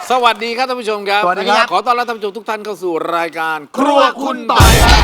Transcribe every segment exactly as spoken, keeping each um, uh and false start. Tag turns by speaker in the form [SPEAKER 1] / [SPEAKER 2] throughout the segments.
[SPEAKER 1] สวัสดีครับท่านผู้ชมครับ
[SPEAKER 2] สวัสดีครับ
[SPEAKER 1] ขอต้อนรับท่านผู้ชมทุกท่านเข้าสู่รายการครัวคุณต่อยครับ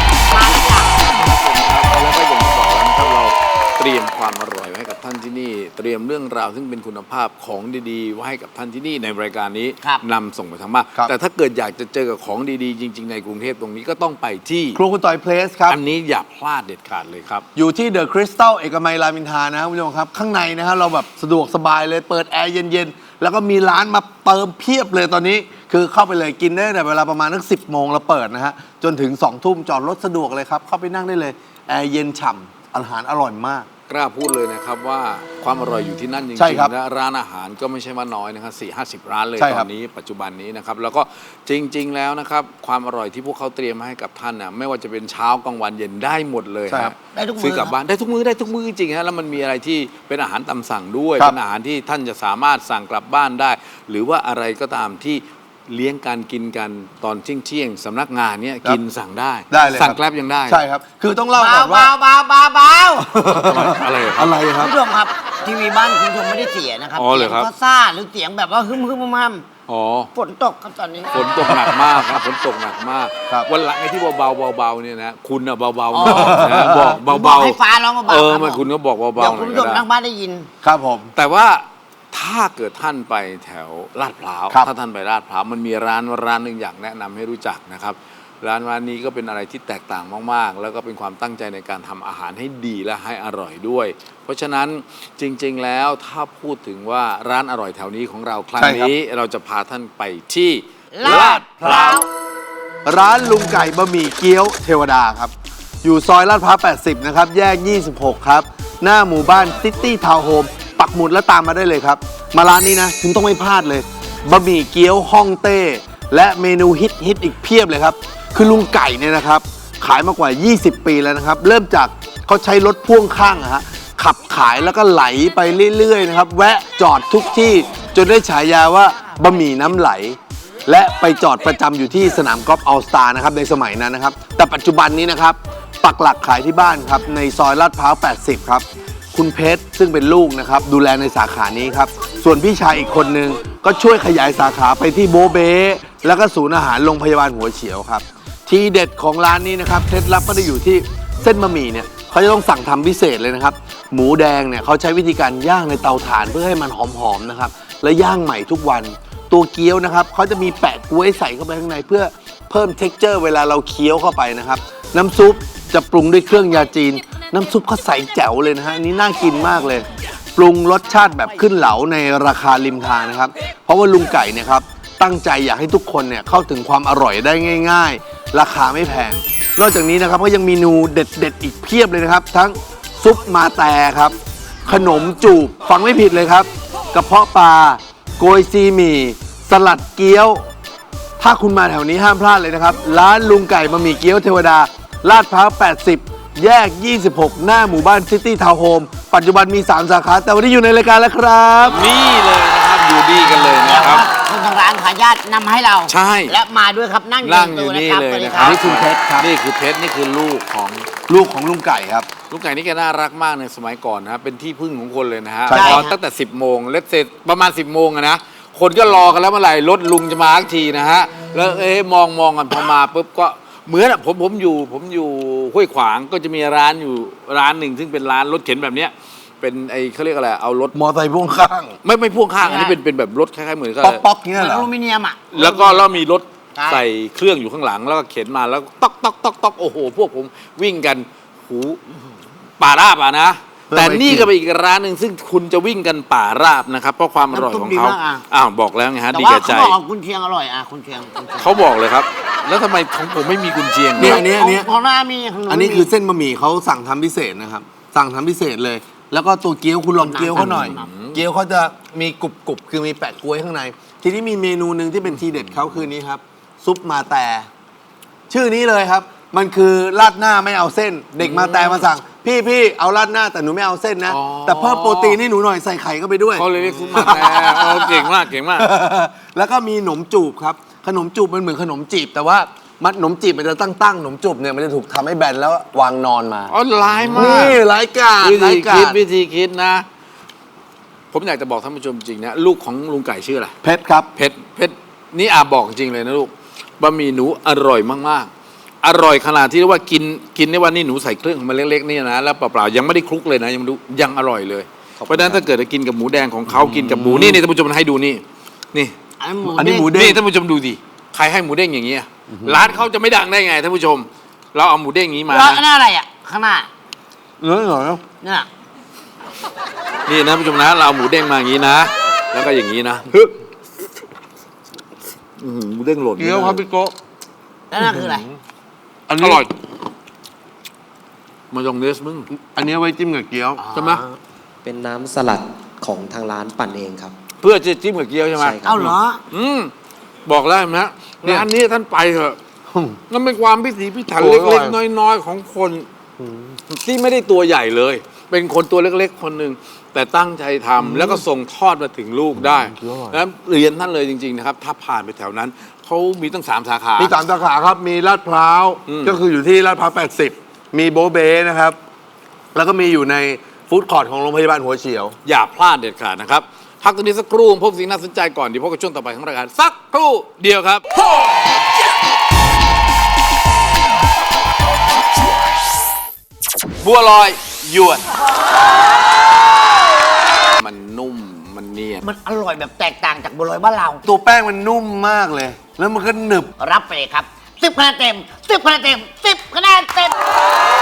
[SPEAKER 1] แล้วก็อย่างที่บอกแล้วนะครับเราเตรียมความอร่อยไว้ให้กับท่านที่นี่เตรียมเรื่องราวซึ่งเป็นคุณภาพของดีๆไว้ให้กับท่านที่นี่ในรายการนี้นำส่งไปทางบ้านแต่ถ้าเกิดอยากจะเจอกับของดีๆจริงๆในกรุงเทพตรงนี้ก็ต้องไปที่
[SPEAKER 2] ครัวคุณต่อยเพลสครับ
[SPEAKER 1] อันนี้อย่าพลาดเด็ดขาดเลยครับ
[SPEAKER 2] อยู่ที่เดอะคริสตัลเอกมัยรามอินทรานะครับคุณผู้ชมครับข้างในนะฮะเราแบบสะดวกสบายเลยเปิดแอร์เย็นๆแล้วก็มีร้านมาเติมเพียบเลยตอนนี้คือเข้าไปเลยกินได้แต่เวลาประมาณนักสิบโมงเราเปิดนะฮะจนถึงสองทุ่มจอดรถสะดวกเลยครับเข้าไปนั่งได้เลยแอร์เย็นฉ่ำอาหารอร่อยมาก
[SPEAKER 1] กล้าพูดเลยนะครับว่าความอร่อยอยู่ที่นั่นจริงๆนะร้านอาหารก็ไม่ใช่ว่าน้อยนะครับสี่ห้าสิบร้านเลยตอนนี้ปัจจุบันนี้นะครับแล้วก็จริงๆแล้วนะครับความอร่อยที่พวกเขาเตรียมมาให้กับท่านนะไม่ว่าจะเป็นเช้ากลางวันเย็นได้หมดเลยครับซื้อกลับบ้านได้ทุกมื้อได้ทุกมื้อจริงๆฮะแล้วมันมีอะไรที่เป็นอาหารตามสั่งด้วยเป็นอาหารที่ท่านจะสามารถสั่งกลับบ้านได้หรือว่าอะไรก็ตามที่เลี้ยงการกินกันตอนเที่ยงเที่ยงสำนักงานเนี้ยกินสั่งได้
[SPEAKER 2] ได้เลย
[SPEAKER 1] สั่งแกร็บยังได้
[SPEAKER 2] ใช่ครับคือต้องเล่าก่อนว่า
[SPEAKER 3] เบาเบาเบา
[SPEAKER 1] อะไร
[SPEAKER 2] อะไรครับ
[SPEAKER 3] คุณผู้ชมครับทีวีบ้านคุณผู้ชมไม่ได้เสียนะครับ
[SPEAKER 1] อ๋อเหรอครับ
[SPEAKER 3] ซ่าหรือเสียงแบบว่าฮึมฮึมฮัม
[SPEAKER 1] อ๋อ
[SPEAKER 3] ฝนตกครับตอนนี้
[SPEAKER 1] ฝนตกหนักมากครับฝนตกหนักมากวันหลังไอ้ที่เบาๆเบาๆเนี่ยนะคุณอะเบาๆนะบอกเบาๆ
[SPEAKER 3] ให้ฟ้าร้องเบาๆ
[SPEAKER 1] เออมันคุณก็บอกเบาๆหน่อยก็ได้
[SPEAKER 3] คุณผู้ชมทางบ้านได้ยิน
[SPEAKER 2] ครับผม
[SPEAKER 1] แต่ว่าถ้าเกิดท่านไปแถวลาดพร้าวถ้าท่านไปลาดพร้าวมันมีร้านร้านหนึ่งอยากแนะนำให้รู้จักนะครับร้านร้านนี้ก็เป็นอะไรที่แตกต่างมากๆแล้วก็เป็นความตั้งใจในการทำอาหารให้ดีและให้อร่อยด้วยเพราะฉะนั้นจริงๆแล้วถ้าพูดถึงว่าร้านอร่อยแถวนี้ของเราครั้งนี้เราจะพาท่านไปที่
[SPEAKER 3] ลาดพร้าว
[SPEAKER 2] ร้านลุงไก่บะหมี่เกี๊ยวเทวดาครับอยู่ซอยลาดพร้าวแปดสิบนะครับแยกยี่สิบหกครับหน้าหมู่บ้านซิตี้ทาวน์โฮมปักหมุดแล้วตามมาได้เลยครับมาร้านนี้นะคุณต้องไม่พลาดเลยบะหมี่เกี๊ยวฮ่องเต้และเมนูฮิตฮิตอีกเพียบเลยครับคือลุงไก่เนี่ยนะครับขายมากว่ายี่สิบปีแล้วนะครับเริ่มจากเขาใช้รถพ่วงข้างอะฮะขับขายแล้วก็ไหลไปเรื่อยๆนะครับแวะจอดทุกที่จนได้ฉายาว่าบะหมี่น้ำไหลและไปจอดประจำอยู่ที่สนามกอล์ฟออลสตาร์นะครับในสมัยนั้นนะครับแต่ปัจจุบันนี้นะครับปักหลักขายที่บ้านครับในซอยลาดพร้าวแปดสิบครับคุณเพชรซึ่งเป็นลูกนะครับดูแลในสาขานี้ครับส่วนพี่ชายอีกคนนึงก็ช่วยขยายสาขาไปที่โบเบ้แล้วก็ศูนย์อาหารโรงพยาบาลหัวเฉียวครับทีเด็ดของร้านนี้นะครับเคล็ดลับก็ได้อยู่ที่เส้นบะหมี่เนี่ยเขาจะต้องสั่งทำพิเศษเลยนะครับหมูแดงเนี่ยเขาใช้วิธีการย่างในเตาถ่านเพื่อให้มันหอมๆนะครับและย่างใหม่ทุกวันตัวเกี๊ยวนะครับเขาจะมีแปะกล้วยใส่เข้าไปข้างในเพื่อเพิ่มเท็กเจอร์เวลาเราเคี้ยวเข้าไปนะครับน้ำซุปจะปรุงด้วยเครื่องยาจีนน้ำซุปเขาใสแจ๋วเลยนะฮะนี่น่ากินมากเลยปรุงรสชาติแบบขึ้นเหลาในราคาริมทางนะครับเพราะว่าลุงไก่เนี่ยครับตั้งใจอยากให้ทุกคนเนี่ยเข้าถึงความอร่อยได้ง่ายๆราคาไม่แพงนอกจากนี้นะครับก็ยังมีเมนูเด็ดๆอีกเพียบเลยนะครับทั้งซุปมาแต่ครับขนมจูบฟังไม่ผิดเลยครับกระเพาะปลาโกยซีหมี่สลัดเกี๊ยวถ้าคุณมาแถวนี้ห้ามพลาดเลยนะครับร้านลุงไก่บะหมี่เกี๊ยวเทวดาลาดพร้าวแปดสิบแยกยี่สิบหกหน้าหมู่บ้านซิตี้ทาวน์โฮมปัจจุบันมีสามสาขาแต่วันนี้อยู่ในรายการแล้วครับ
[SPEAKER 1] นี่เลยนะครับอยู่ดีกันเลยนะครับ
[SPEAKER 3] คนทางร้านขายญาตินำให้เรา
[SPEAKER 1] ใช่
[SPEAKER 3] และมาด้วยครับนั่ง
[SPEAKER 1] อยู่นี่เลยนะครับ
[SPEAKER 2] นี่คือเพชรครับ
[SPEAKER 1] นี่คือเพชรนี่คือลูกของ
[SPEAKER 2] ลูกของลุงไก่ครับ
[SPEAKER 1] ลุงไก่นี่แกน่ารักมากในสมัยก่อนนะครับเป็นที่พึ่งของคนเลยนะฮะ
[SPEAKER 2] ต
[SPEAKER 1] อนตั้งแต่สิบโมงเล็ดเสร็จประมาณสิบโมงนะคนก็รอกันแล้วเมื่อไหร่รถลุงจะมาทักทีนะฮะแล้วเอ๊ะมองมองกันพอมาปุ๊บก็เหมือนผมผมอยู่ผมอยู่ห้วยขวางก็จะมีร้านอยู่ร้านหนึ่งซึ่งเป็นร้านรถเข็นแบบเนี้ยเป็นไอ้เขาเรียกอะไรเอารถ
[SPEAKER 2] มอเตอร์ไซค์พ่วงข้าง
[SPEAKER 1] ไม่ไม่พ่วงข้างอันนี้เป็นเป็นแบบรถคล้ายๆเหมือนกับ
[SPEAKER 2] ป๊อกป๊อกเงี้ยเหรอ
[SPEAKER 3] อลูมิเนียมอ่ะ
[SPEAKER 1] แล้วก็แล้วมีรถใส่เครื่องอยู่ข้างหลังแล้วก็เข็นมาแล้วต๊อกต๊อกต๊อกต๊อกโอ้โหพวกผมวิ่งกันหูป่าราบอ่ะนะแต่นี่ก็เป็นอีกร้านหนึ่งซึ่งคุณจะวิ่งกันป่าราบนะครับเพราะความอร่อยของเขาอ้าวบอกแล้วไงฮะดีแก่ใจ
[SPEAKER 3] แต่ว่าเขาบอกคุณเชียงอร่อยอ่ะคุณเชียง
[SPEAKER 1] เขาบอกเลยครับแล้วทำไมของผมไม่มีกุนเชียง
[SPEAKER 2] เนี่ยอันนี้อันนี้
[SPEAKER 3] ของหน้ามี
[SPEAKER 2] อันนี้คือเส้นบะหมี่เขาสั่งทำพิเศษนะครับสั่งทำพิเศษเลยแล้วก็ตัวเกี๊ยวคุณลองเกี๊ยวเขาหน่อยเกี๊ยวเขาจะมีกรุบกรุบคือมีแปะกล้วยข้างในทีนี้มีเมนูหนึ่งที่เป็นทีเด็ดเขาคือนี้ครับซุปมาแต่ชื่อนี้เลยครับมันคือราดหน้าไม่เอาเส้นเด็กมาแต่มาสั่งพี่พี่เอาราดหน้าแต่หนูไม่เอาเส้นนะแต่เพิ่มโปรตีนให้หนูหน่อยใส่ไข่เข้าไปด้วย
[SPEAKER 1] เขาเลยเรียกซุปมาแต่เก่งมากเก่งมาก
[SPEAKER 2] แล้วก็มีขนมจูบครับขนมจูบมันเหมือนขนมจีบแต่ว่ามันขนมจีบมันจะตั้งตั้งขนมจูบเนี่ยมันจะถูกทำให้แบนแล้ววางนอนมา
[SPEAKER 1] อ๋อร้ายมาก
[SPEAKER 2] นี่ร้ายกาจ
[SPEAKER 1] วิธีคิดวิธีคิดนะผมอยากจะบอกท่านผู้ชมจริงนะลูกของลุงไก่ชื่ออะไร
[SPEAKER 2] เพชรครับ
[SPEAKER 1] เพชรเพชรนี่อาบอกจริงเลยนะลูกบะหมี่หนูอร่อยมากๆ อร่อยขนาดที่เรียกว่ากินกินในวันนี้หนูใส่เครื่องมาเล็กๆนี่นะแล้วเปล่าๆยังไม่ได้คลุกเลยนะยังดูยังอร่อยเลยเพราะฉะนั้นถ้าเกิดจะกินกับหมูแดงของเขากินกับหมูนี่นี่ท่านผู้ชมให้ดูนี่นี่
[SPEAKER 3] อันนี้หมู
[SPEAKER 2] อันนี้หมู
[SPEAKER 3] เด้ง
[SPEAKER 2] เด้ง
[SPEAKER 1] นี่ท่านผู้ชมดูดิใครให้หมูเด้งอย่างเงี้ยร้านเขาจะไม่ดังได้ไงท่านผู้ชม เราเอาหมูเด้งอย่างนี้มา
[SPEAKER 3] แล้ว
[SPEAKER 1] นะ
[SPEAKER 3] อันนั้นอะไรอ่ะข้างหน้า
[SPEAKER 2] เนื้อหน่อยนะ
[SPEAKER 3] เนี่ย
[SPEAKER 1] นี่นะท่านผู้ชมนะเราเอาหมูเด้งมาอย่างนี้นะ แล้วก็อย่างนี้นะอื้อหือหมูเด้งหล่น
[SPEAKER 2] เกี๊ยวครับพี่โก้
[SPEAKER 3] แล้วนั่นคืออะไร
[SPEAKER 2] อัน
[SPEAKER 1] อ
[SPEAKER 2] นี้
[SPEAKER 1] ร่อยมายองเนสมึง
[SPEAKER 2] อันนี้ไว้จิ้มกับเกี๊ยว
[SPEAKER 1] ใช่ไหม
[SPEAKER 4] เป็นน้ำสลัดของทางร้านปั่นเองครับ
[SPEAKER 1] เพื่อจะจิ้มกับเกี๊ยวใช่ไหม
[SPEAKER 4] ใช่ครับ
[SPEAKER 3] เอาเหรอ
[SPEAKER 1] อืมบอกแล้วนะ
[SPEAKER 2] เนี่ย
[SPEAKER 1] ร้านนี้ท่านไปเถอะ
[SPEAKER 2] อืม
[SPEAKER 1] นั่นเป็นความพิถีพิถัน
[SPEAKER 2] โอ้ย
[SPEAKER 1] เล็ก
[SPEAKER 2] อร่อย
[SPEAKER 1] ๆ น้อยๆ ของคนที่ไม่ได้ตัวใหญ่เลย เป็นคนตัวเล็กๆ คนหนึ่งแต่ตั้งใจทำแล้วก็ส่งทอดมาถึงลูกได้แล้วเรียนท่านเลยจริง ๆ นะครับ ถ้าผ่านไปแถวนั้นเขามีตั้งสามสาขา
[SPEAKER 2] มีสามสาขาครับ มีลาดพร้าว
[SPEAKER 1] อืม
[SPEAKER 2] ก็คืออยู่ที่ลาดพร้าวแปดสิบมีโบเบ้นะครับ แล้วก็มีอยู่ในฟู้ดคอร์ทของโรงพยาบาลหัวเฉียว
[SPEAKER 1] อย่าพลาดเด็ดขาดนะครับ พักตรงนี้สักครู่พบสิ่งน่าสนใจก่อนเดี๋ยวพบกับช่วงต่อไปของรายการสักครู่เดียวครับ บัวลอยยวน มันนุ่มมันเนียน
[SPEAKER 3] มันอร่อยแบบแตกต่างจากบัวลอยบ้านเรา
[SPEAKER 2] ตัวแป้งมันนุ่มมากเลย แล้วมันก็หนึบ
[SPEAKER 3] รับไปเลยครับสิบคะแนนเต็มสิบคะแนนเต็มสิบคะแนนเต็ม